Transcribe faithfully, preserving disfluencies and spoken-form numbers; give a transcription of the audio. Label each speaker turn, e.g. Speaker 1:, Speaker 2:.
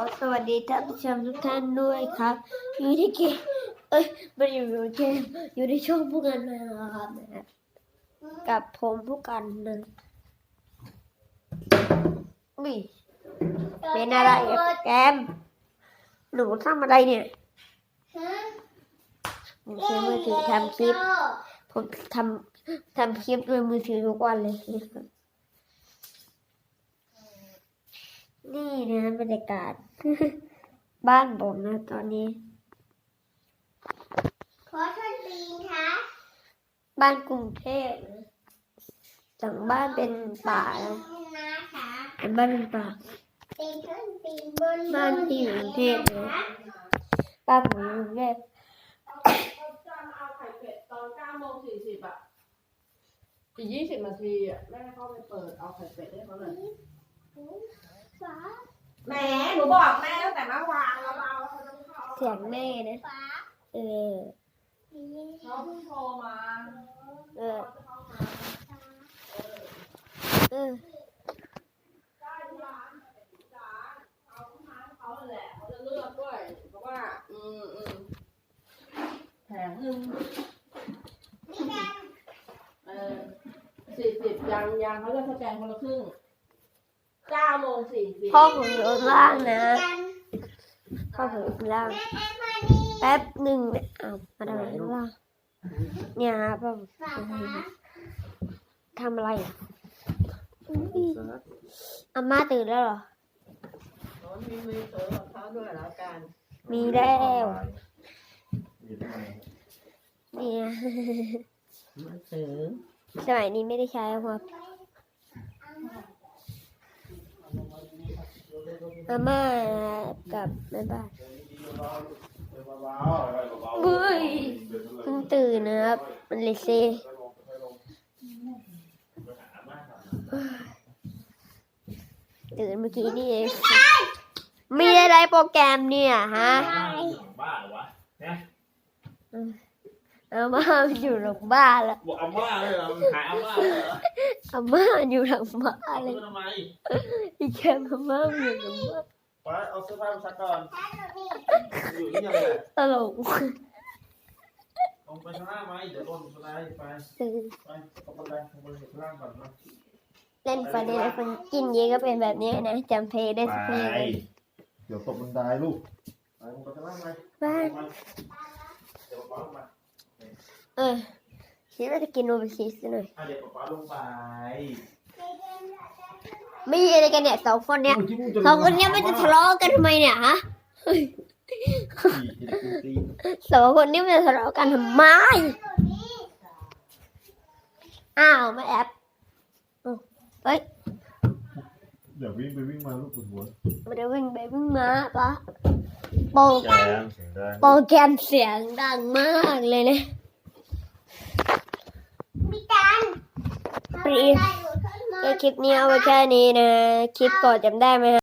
Speaker 1: สวัสดีท่านผู้ชมทุกท่านด้วยครับอยู่ที่เกมเอ้ยไม่ได้อยู่ในเกมอยู่ในช่องผู้กันนะครับนะครับกับผมผู้กันนะอุ้ยเป็นอะไรอะแกมหนูทำอะไรเนี่ยผมใช้มือถือทำคลิปผมทำทำคลิปด้วยมือถือทุกวันเลยนะครับนี่นะบรรยากาศ บ้านผมนะตอนนี้
Speaker 2: ขอท่านปีนคะ
Speaker 1: บ้านกรุงเทพนะหลังบ้านเป็นป่านะอันบ้านเป็นป่า
Speaker 2: ปีนขึ้นปีนบน
Speaker 1: บ้านที่อยู่กรุงเทพนะบ้านผมอยู่กรุงเทพ
Speaker 3: เขาจะมาเอาไข่เป็ดตอนเก้าโมงสี่สิบอ่ะอีกยี่สิบนาทีอ่ะแม่เข้าไปเปิดเอาไข่เป็ดให้เขาเลย
Speaker 2: ฟ้า
Speaker 3: แหมหนูบอกแม่ตั้งแต่เมื่อวานแล้วเราเขาจะเข้า
Speaker 1: เสียงแม่นะ
Speaker 2: ฟ้า
Speaker 1: เออ
Speaker 3: เขาเพิ่งโทรมา
Speaker 1: เออ
Speaker 3: เขาจะเข้ามา
Speaker 1: เออ
Speaker 3: ได้ที่ร้านจ๋าเอาที่ร้านเขาแหละเขาจะเลือกด้วยเพราะว่าอืมอืมแผงหนึ่ง
Speaker 2: นี่กัน
Speaker 3: เออสี่สิบยังยังเขาจะสแกนคนละครึ่งเก้าโมงสี่สิบ
Speaker 1: พ่อผมอยู่ข้างล่างนะ
Speaker 2: กัน
Speaker 1: พ่อผมอยู่ข้างล่าง
Speaker 2: แม่แอนมานี่
Speaker 1: แป๊บหนึ่งเนี่ยอ้าวมาทำอะไรข้างล่างเนี่ยครับพ่อผม
Speaker 2: ฟ้าฟ้า
Speaker 1: ทำอะไรอ่ะอุ๊ยอาม่าตื่นแล้วเหรอ
Speaker 3: มีมือเต๋อของเขาด้วยแล้วกัน
Speaker 1: มีแล้วเนี่ย
Speaker 3: มือเต๋อ
Speaker 1: สมัยนี้ไม่ได้ใช้แล้วครับอาม่ากับแม่บ้านเฮ้ยเพิ่งตื่นนะครับมันเลยเซตื่นเมื่อกี้นี่เองมีอะไรโปรแกรมเนี่ยฮะ
Speaker 4: บ้าเหรอวะเนี่ย
Speaker 1: อาม่ามันอยู่หลังบ้านแล้ว
Speaker 4: บอกอาม่าเลยเหรอหายอาม่าเลยเหรอ
Speaker 1: อาม่าอยู่หลังบ้านเลย
Speaker 4: ทำไม
Speaker 1: อีแคมอาม่าอยู่หลังบ้าน
Speaker 4: ไปเอาเสื้อผ้ามาซักก่อน
Speaker 2: ฟ้าตรงนี้
Speaker 4: อยู่ที่ยังไง
Speaker 1: ตลก
Speaker 4: ลงไปข้างล่างไหมเดี๋ยวลงข้างล่างไป
Speaker 1: ตื่น
Speaker 4: ไปลงไปเลยลงไปข้างล่างก่อนนะ
Speaker 1: เล่นฟันเดนฟันกินเยอะก็เป็นแบบนี้นะจำเพลงได้สักเพลงเลย
Speaker 4: เดี๋ยวตกบันไดลูกไปลงไปข้างล่างไหม
Speaker 1: บ้าน
Speaker 4: เดี๋ยวป๊าลงมา
Speaker 1: เออคิดว่าจะกินโนบิคิสหน่อย
Speaker 4: อ่ะเดี๋ยวป๊าลงไป
Speaker 1: ไม่มีอะไรกันเนี่ยสองคนเนี้ยสองคนเนี้ยมันจะทะเลาะกันทำไมเนี่ยฮะสองคนนี้มันจะทะเลาะกันทำไมอ้าวไม่แอบเฮ้ย
Speaker 4: เดี๋ยววิ่งไปวิ่งมาลูกปวดหัว
Speaker 1: มันจะวิ่งไปวิ่งมาปะโปร
Speaker 4: แรงเสียงดัง
Speaker 1: โปรแกรมเสียงดังมากเลยนะ
Speaker 2: มีกัน
Speaker 1: ปรี ก็คลิปนี้เอาไว้แค่นี้นะ คลิปก่อนจำได้ไหมฮะ